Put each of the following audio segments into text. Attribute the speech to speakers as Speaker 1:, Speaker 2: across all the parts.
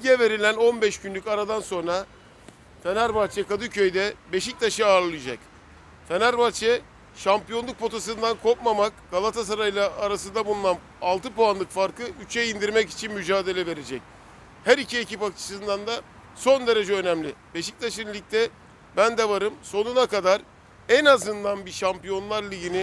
Speaker 1: Lige verilen 15 günlük aradan sonra Fenerbahçe Kadıköy'de Beşiktaş'ı ağırlayacak. Fenerbahçe şampiyonluk potasından kopmamak, Galatasaray'la arasında bulunan 6 puanlık farkı 3'e indirmek için mücadele verecek. Her iki ekip açısından da son derece önemli. Beşiktaş'ın ligde ben de varım. Sonuna kadar en azından bir Şampiyonlar Ligi'ni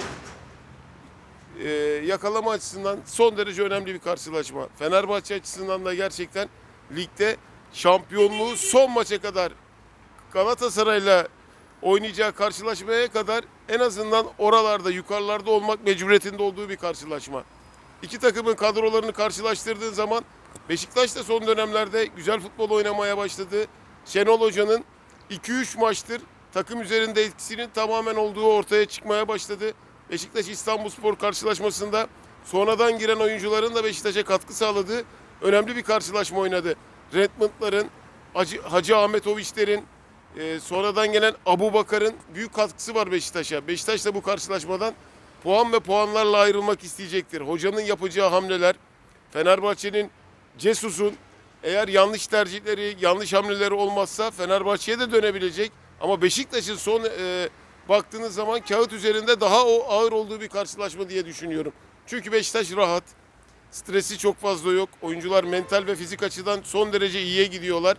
Speaker 1: yakalama açısından son derece önemli bir karşılaşma. Fenerbahçe açısından da gerçekten ligde şampiyonluğu son maça kadar Galatasaray'la oynayacağı karşılaşmaya kadar en azından oralarda, yukarılarda olmak mecburiyetinde olduğu bir karşılaşma. İki takımın kadrolarını karşılaştırdığın zaman Beşiktaş da son dönemlerde güzel futbol oynamaya başladı. Şenol Hoca'nın 2-3 maçtır takım üzerinde etkisinin tamamen olduğu ortaya çıkmaya başladı. Beşiktaş İstanbulspor karşılaşmasında sonradan giren oyuncuların da Beşiktaş'a katkı sağladığı önemli bir karşılaşma oynadı. Redmond'ların, Hacı Ahmetoviç'lerin, sonradan gelen Abubakar'ın büyük katkısı var Beşiktaş'a. Beşiktaş da bu karşılaşmadan puan ve puanlarla ayrılmak isteyecektir. Hocanın yapacağı hamleler, Fenerbahçe'nin, Cesus'un eğer yanlış tercihleri, yanlış hamleleri olmazsa Fenerbahçe'ye de dönebilecek. Ama Beşiktaş'ın son baktığınız zaman kağıt üzerinde daha ağır olduğu bir karşılaşma diye düşünüyorum. Çünkü Beşiktaş rahat, stresi çok fazla yok. Oyuncular mental ve fizik açıdan son derece iyiye gidiyorlar.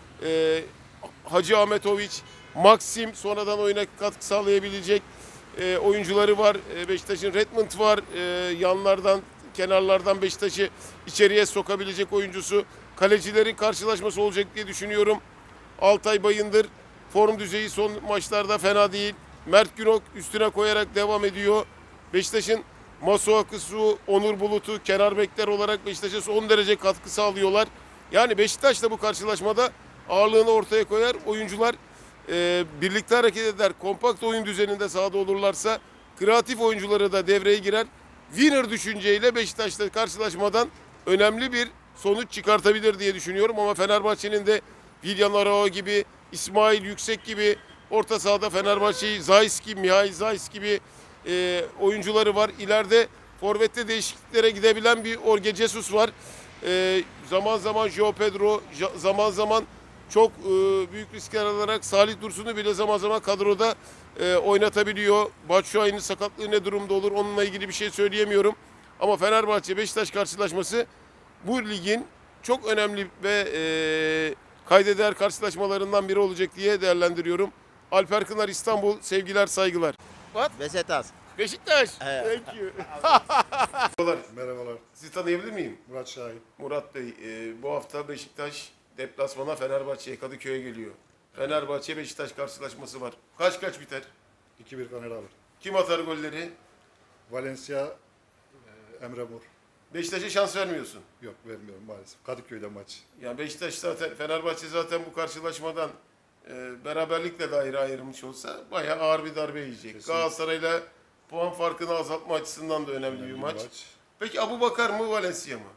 Speaker 1: Hacı Ahmetoviç, Maxim sonradan oyuna katkı sağlayabilecek oyuncuları var. Beşiktaş'ın Redmond var. Yanlardan, kenarlardan Beşiktaş'ı içeriye sokabilecek oyuncusu. Kalecilerin karşılaşması olacak diye düşünüyorum. Altay Bayındır form düzeyi son maçlarda fena değil. Mert Günok üstüne koyarak devam ediyor. Beşiktaş'ın Masuakusu, Onur Bulut'u kenar bekler olarak Beşiktaş'a son derece katkı sağlıyorlar. Yani Beşiktaş da bu karşılaşmada ağırlığını ortaya koyar. Oyuncular birlikte hareket eder. Kompakt oyun düzeninde sahada olurlarsa kreatif oyuncuları da devreye girer. Winner düşünceyle Beşiktaş'ta karşılaşmadan önemli bir sonuç çıkartabilir diye düşünüyorum. Ama Fenerbahçe'nin de Villan Arao gibi, İsmail Yüksek gibi orta sahada Fenerbahçe'yi Zayski, Mihail Zayis gibi oyuncuları var. İleride forvette değişikliklere gidebilen bir Jorge Jesus var. Zaman zaman João Pedro, zaman zaman çok büyük riskler alarak Salih Dursun'u bile zaman zaman kadroda oynatabiliyor. Batshuayi'nin sakatlığı ne durumda olur onunla ilgili bir şey söyleyemiyorum. Ama Fenerbahçe-Beşiktaş karşılaşması bu ligin çok önemli ve kaydeder karşılaşmalarından biri olacak diye değerlendiriyorum. Alper Kınar, İstanbul, sevgiler, saygılar. What?
Speaker 2: Beşiktaş.
Speaker 1: Beşiktaş. Thank you.
Speaker 3: Merhabalar.
Speaker 1: Sizi tanıyabilir miyim?
Speaker 3: Murat Şahin.
Speaker 1: Murat Bey, bu hafta Beşiktaş deplasmana Fenerbahçe'ye, Kadıköy'e geliyor. Fenerbahçe-Beşiktaş karşılaşması var. Kaç biter?
Speaker 3: 2-1 Fener alır.
Speaker 1: Kim atar golleri?
Speaker 3: Valencia, Emre Mor.
Speaker 1: Beşiktaş'a şans vermiyorsun.
Speaker 3: Yok vermiyorum maalesef. Kadıköy'de maç.
Speaker 1: Yani Beşiktaş zaten, Fenerbahçe zaten bu karşılaşmadan beraberlikle daire ayrılmış olsa bayağı ağır bir darbe yiyecek.
Speaker 3: Kesinlikle.
Speaker 1: Galatasaray'la puan farkını azaltma açısından da önemli bir maç. Peki Abubakar mı, Valencia mı?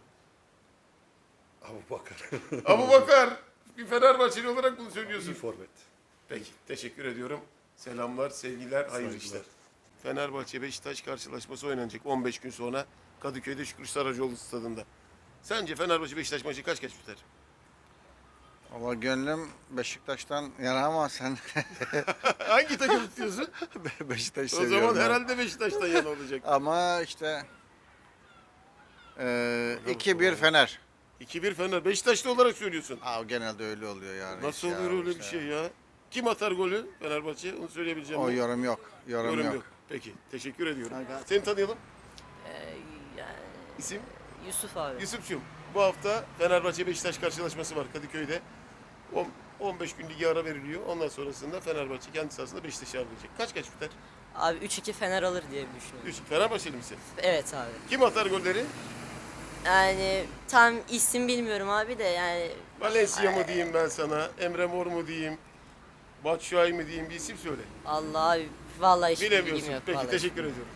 Speaker 3: Abubakar.
Speaker 1: Abubakar, bir Fenerbahçeli olarak bunu söylüyorsun.
Speaker 3: İyi forvet.
Speaker 1: Peki, teşekkür ediyorum. Selamlar, sevgiler, hayırlı
Speaker 3: Saygılar.
Speaker 1: işler. Fenerbahçe-Beşiktaş karşılaşması oynanacak 15 gün sonra Kadıköy'de Şükrü Saracoğlu stadında. Sence Fenerbahçe-Beşiktaş maçı kaç biter?
Speaker 2: Ama gönlüm Beşiktaş'tan yana ama sen
Speaker 1: Hangi takım tutuyorsun?
Speaker 2: Beşiktaş
Speaker 1: O
Speaker 2: seviyorum.
Speaker 1: zaman
Speaker 2: ben.
Speaker 1: herhalde Beşiktaş'tan yana olacak.
Speaker 2: Ama işte 2-1 Fener.
Speaker 1: 2-1 Fener. Beşiktaşlı olarak söylüyorsun.
Speaker 2: Genelde öyle oluyor yani.
Speaker 1: Nasıl
Speaker 2: Ya,
Speaker 1: olur öyle bir
Speaker 2: işte.
Speaker 1: şey ya? Kim atar golü Fenerbahçe? Onu söyleyebileceğim.
Speaker 2: O
Speaker 1: mi?
Speaker 2: yorum yok. Yorum yok.
Speaker 1: Peki, teşekkür ediyorum.
Speaker 2: Hayır.
Speaker 1: Seni tanıyalım.
Speaker 4: Yani
Speaker 1: İsim?
Speaker 4: Yusuf abi.
Speaker 1: Yusuf'cum. Bu hafta Fenerbahçe-Beşiktaş karşılaşması var Kadıköy'de. 15 gün ligi ara veriliyor. Ondan sonrasında Fenerbahçe kendi sahasında Beşiktaş'ı ağırlayacak. Kaç biter?
Speaker 4: Abi 3-2 Fener alır diye düşünüyorum.
Speaker 1: 3. Fenerbahçeli misin?
Speaker 4: Evet abi.
Speaker 1: Kim atar golleri?
Speaker 4: Yani tam isim bilmiyorum abi de yani
Speaker 1: Valencia mı diyeyim ben sana? Emre Mor mu diyeyim? Batshuayi mi diyeyim? Bir isim söyle.
Speaker 4: Allah abi vallahi hiç bilgim
Speaker 1: Bilemiyorsun.
Speaker 4: yok.
Speaker 1: Peki,
Speaker 4: vallahi.
Speaker 1: teşekkür ediyorum.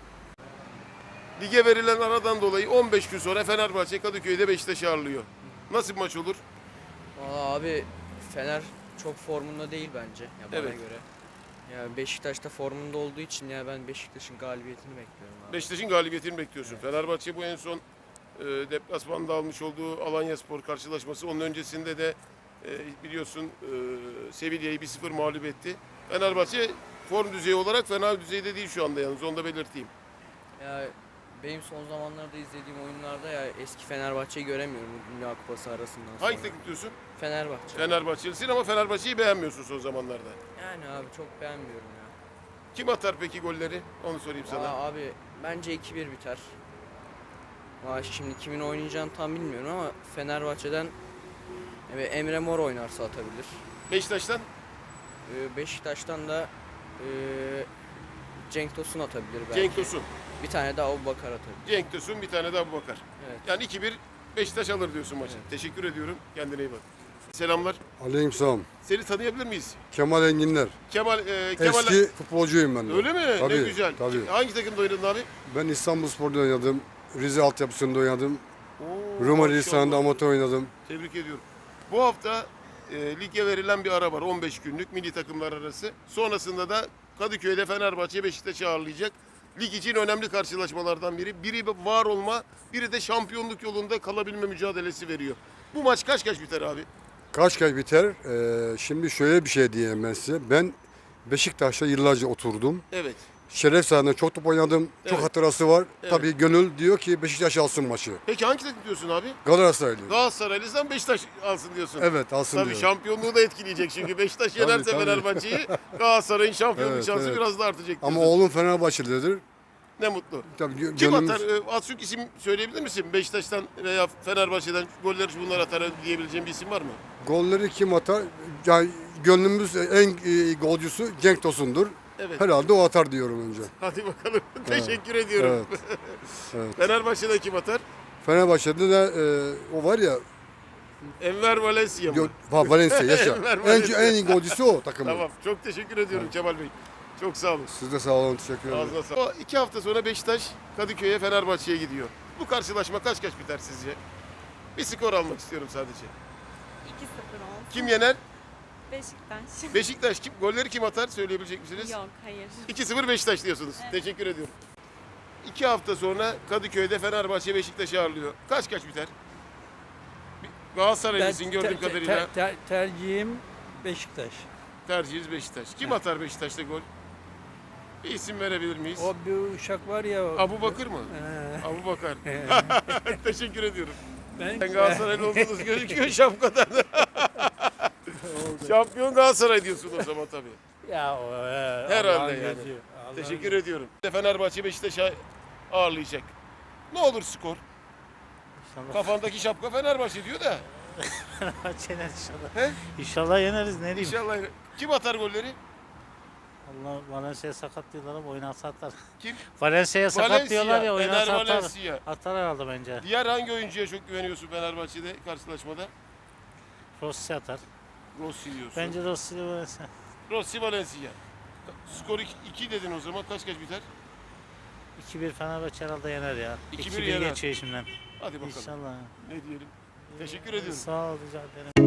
Speaker 1: Lige verilen aradan dolayı 15 gün sonra Fenerbahçe Kadıköy'de Beşiktaş'ı ağırlıyor. Nasıl bir maç olur?
Speaker 5: Valla abi Fener çok formunda değil bence ya bana
Speaker 1: Evet.
Speaker 5: göre. Ya Beşiktaş da formunda olduğu için ya ben Beşiktaş'ın galibiyetini bekliyorum abi.
Speaker 1: Beşiktaş'ın galibiyetini bekliyorsun. Fenerbahçe bu en son deplasmanda almış olduğu Alanyaspor karşılaşması. Onun öncesinde de biliyorsun Sevilla'yı 1-0 mağlup etti. Fenerbahçe form düzeyi olarak fena düzeyde değil şu anda yalnız onu da belirteyim.
Speaker 5: Ya benim son zamanlarda izlediğim oyunlarda ya eski Fenerbahçe'yi göremiyorum Dünya Kupası arasından sonra.
Speaker 1: Hangi takım diyorsun?
Speaker 5: Fenerbahçe.
Speaker 1: Fenerbahçelisin ama Fenerbahçe'yi beğenmiyorsun son zamanlarda.
Speaker 5: Yani abi çok beğenmiyorum ya.
Speaker 1: Kim atar peki golleri? Onu sorayım sana.
Speaker 5: Abi bence 2-1 biter. Şimdi kimin oynayacağını tam bilmiyorum ama Fenerbahçe'den Emre Mor oynarsa atabilir.
Speaker 1: Beşiktaş'tan
Speaker 5: Beşiktaş'tan da Cenk Tosun atabilir belki.
Speaker 1: Cenk Tosun.
Speaker 5: Bir tane de Abubakar atabilir.
Speaker 1: Cenk Tosun bir tane de Abubakar.
Speaker 5: Evet.
Speaker 1: Yani 2-1 Beşiktaş alır diyorsun maçı.
Speaker 5: Evet.
Speaker 1: Teşekkür ediyorum. Kendine iyi bak. Selamlar.
Speaker 6: Aleykümselam.
Speaker 1: Seni tanıyabilir miyiz?
Speaker 6: Kemal Enginler.
Speaker 1: Kemal
Speaker 6: Eski futbolcuyum ben de.
Speaker 1: Öyle mi? Ne
Speaker 6: Tabii,
Speaker 1: güzel.
Speaker 6: tabii.
Speaker 1: Hangi takımda oynadın abi?
Speaker 6: Ben İstanbulspor'da oynadım. Rize altyapısında oynadım.
Speaker 1: Oo,
Speaker 6: Rumeli
Speaker 1: maşallah.
Speaker 6: Hisarı'nda amatör oynadım.
Speaker 1: Tebrik ediyorum. Bu hafta lige verilen bir ara var 15 günlük milli takımlar arası. Sonrasında da Kadıköy'de Fenerbahçe Beşiktaş'ı ağırlayacak. Lig için önemli karşılaşmalardan biri. Biri var olma, biri de şampiyonluk yolunda kalabilme mücadelesi veriyor. Bu maç kaç biter abi?
Speaker 6: Kaç biter? Şimdi şöyle bir şey diyeyim ben size. Ben Beşiktaş'ta yıllarca oturdum.
Speaker 1: Evet.
Speaker 6: Şeref sahasında çok top oynadım. Çok
Speaker 1: Evet.
Speaker 6: hatırası var.
Speaker 1: Evet.
Speaker 6: Tabii gönül diyor ki Beşiktaş alsın maçı.
Speaker 1: Peki hangi takım diyorsun abi?
Speaker 6: Galatasaraylıyım.
Speaker 1: Galatasaraylıysan Beşiktaş alsın diyorsun.
Speaker 6: Evet alsın
Speaker 1: Tabii
Speaker 6: diyorum.
Speaker 1: şampiyonluğu da etkileyecek çünkü Beşiktaş yenerse
Speaker 6: tabii.
Speaker 1: Fenerbahçe'yi Galatasaray'ın şampiyonluk
Speaker 6: Evet,
Speaker 1: şansı
Speaker 6: evet.
Speaker 1: biraz da artacak diyorsun.
Speaker 6: Ama oğlum Fenerbahçelidir.
Speaker 1: Ne mutlu.
Speaker 6: Tabii
Speaker 1: Kim
Speaker 6: gönlümüz...
Speaker 1: atar? Az çok isim söyleyebilir misin? Beşiktaş'tan veya Fenerbahçe'den golleri bunlar atar diyebileceğim bir isim var mı?
Speaker 6: Golleri kim atar? Yani gönlümüz en iyi golcüsü Cenk Tosun'dur.
Speaker 1: Evet.
Speaker 6: Herhalde o atar diyorum önce.
Speaker 1: Hadi bakalım. Teşekkür ediyorum.
Speaker 6: Evet. Evet.
Speaker 1: Fenerbahçe'de kim atar?
Speaker 6: Fenerbahçe'de de o var ya
Speaker 1: Enver Valencia mı?
Speaker 6: Valencia yaşa.
Speaker 1: Enver Valencia.
Speaker 6: en iyi golcüsü o takımın.
Speaker 1: Tamam. Çok teşekkür ediyorum Kemal Bey. Çok sağ olun.
Speaker 6: Siz de sağ olun, teşekkür ederim.
Speaker 1: Ağzına sağlık. O 2 hafta sonra Beşiktaş Kadıköy'e Fenerbahçe'ye gidiyor. Bu karşılaşma kaç biter sizce? Bir skor almak istiyorum sadece.
Speaker 7: 2-0 olsun.
Speaker 1: Kim yener?
Speaker 7: Beşiktaş.
Speaker 1: Beşiktaş. Golleri kim atar? Söyleyebilecek misiniz?
Speaker 7: Yok, hayır.
Speaker 1: 2-0 Beşiktaş diyorsunuz.
Speaker 7: Evet.
Speaker 1: Teşekkür ediyorum. 2 hafta sonra Kadıköy'de Fenerbahçe Beşiktaş'ı ağırlıyor. Kaç biter? Galatasaraylısın gördüğüm kadarıyla.
Speaker 8: Tercihim Beşiktaş.
Speaker 1: Tercihiniz Beşiktaş. Kim atar Beşiktaş'ta gol? Bir isim verebilir miyiz?
Speaker 8: O bir uşak var ya.
Speaker 1: Abu Bakır mı?
Speaker 8: Ee,
Speaker 1: Abu Bakar. Teşekkür ediyorum.
Speaker 8: ben
Speaker 1: Sen Galatasaraylı olduğunuz gözüküyor şapkadan. Şampiyon Galatasaray diyorsun o zaman tabii.
Speaker 8: ya
Speaker 1: Herhalde
Speaker 8: Allah'ın
Speaker 1: yani.
Speaker 8: gözü, Allah'ın
Speaker 1: Teşekkür ediyorum. Fenerbahçe Beşiktaş'a ağırlayacak. Ne olur skor?
Speaker 9: İnşallah
Speaker 1: Kafandaki şapka Fenerbahçe diyor da.
Speaker 9: Fenerbahçe yener inşallah.
Speaker 1: He?
Speaker 9: İnşallah yeneriz ne diyeyim.
Speaker 1: İnşallah. Kim atar golleri?
Speaker 9: Allah Valencia'ya sakat diyorlar ama oynarsa atar.
Speaker 1: Kim?
Speaker 9: Valencia'ya sakat diyorlar ya
Speaker 1: Ener
Speaker 9: oynarsa atar.
Speaker 1: Valencia.
Speaker 9: Atar herhalde bence.
Speaker 1: Diğer hangi oyuncuya çok güveniyorsun Fenerbahçe'de karşılaşmada?
Speaker 9: Rossi atar.
Speaker 1: Rossi diyorsun.
Speaker 9: Bence Rossi ile Valencia.
Speaker 1: Rossi Valencia. Skor 2 dedin o zaman kaç biter?
Speaker 9: 2-1 Fenerbahçe herhalde yener ya.
Speaker 1: 2-1
Speaker 9: 2-1
Speaker 1: yener.
Speaker 9: geçiyor şimdiden.
Speaker 1: Hadi bakalım.
Speaker 9: İnşallah.
Speaker 1: Ne diyelim? Teşekkür ediyorum.
Speaker 9: Sağ ol rica ederim.